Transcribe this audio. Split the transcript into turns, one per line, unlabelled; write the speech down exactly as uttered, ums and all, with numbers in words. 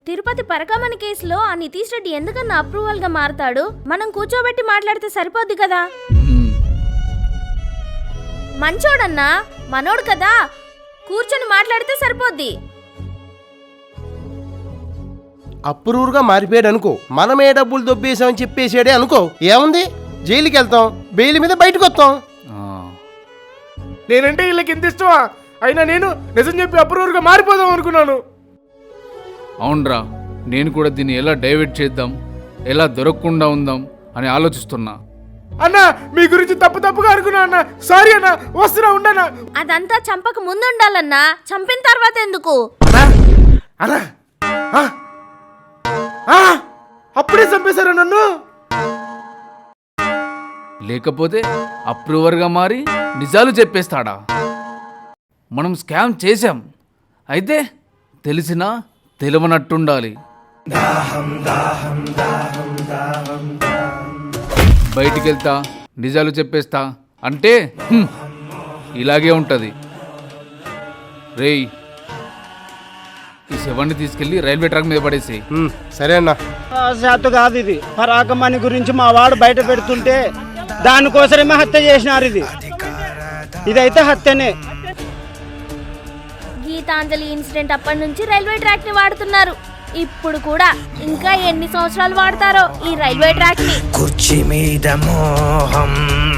తిరుపతి పరకామణి కేసులో ఆ నితీష్ రెడ్డి ఎందుకన్నా అప్రూవల్ గా మారతాడు? మనం కూర్చోబెట్టి మాట్లాడితే సరిపోద్ది కదా. మంచోడన్నా, మనోడు కదా, కూర్చొని మాట్లాడితే సరిపోద్ది.
అప్రూవ్గా మారిపోయాడు అనుకో, మనమే డబ్బులు దొబ్బేసామని చెప్పేసాడే అనుకో, ఏముంది, జైలుకి వెళ్తాం, బెయిల్ మీద బయటకు వస్తాం.
నేనంటే వీళ్ళకి ఎంత ఇష్టమా? అయినా నేను నిజం చెప్పి అప్రూవ్గా మారిపోదాం అనుకున్నాను.
అవునరా, నేను కూడా దీన్ని ఎలా డైవర్ట్ చేద్దాం, ఎలా దొరకకుండా ఉందాం అని ఆలోచిస్తున్నా.
అన్నా, మీ గురించి తప్పు తప్పుగా అనుకున్నా అన్న. సారీ అన్న, వస్తున్నా ఉండనా.
అదంతా చంపక ముందుండాలన్నా, చంపిన తర్వాత ఎందుకు?
అన్నా, అప్పుడే చంపేశారా నన్ను?
లేకపోతే అప్రూవర్గా మారి నిజాలు చెప్పేస్తాడా? మనం స్కామ్ చేశాం, అయితే తెలిసినా తెలియనట్టుండాలి. బయటికి వెళ్తా నిజాలు చెప్పేస్తా అంటే హ్మ్, ఇలాగే ఉంటుంది. రేయ్, ఈ శవాన్ని తీసుకెళ్లి రైల్వే ట్రాక్ మీద పడేసి.
సరే అన్న.
శాత కాదు ఇది, పరాకమణి గురించి మా వాడు బయట పెడుతుంటే దానికోసమే హత్య చేసినారు. ఇది ఇదైతే హత్యనే.
గీతాంజలి ఇన్సిడెంట్ అప్పటి నుంచి రైల్వే ట్రాక్ ని వాడుతున్నారు. ఇప్పుడు కూడా ఇంకా ఎన్ని సంవత్సరాలు వాడతారో ఈ రైల్వే ట్రాక్ ని.
కుర్చీ మీద మోహం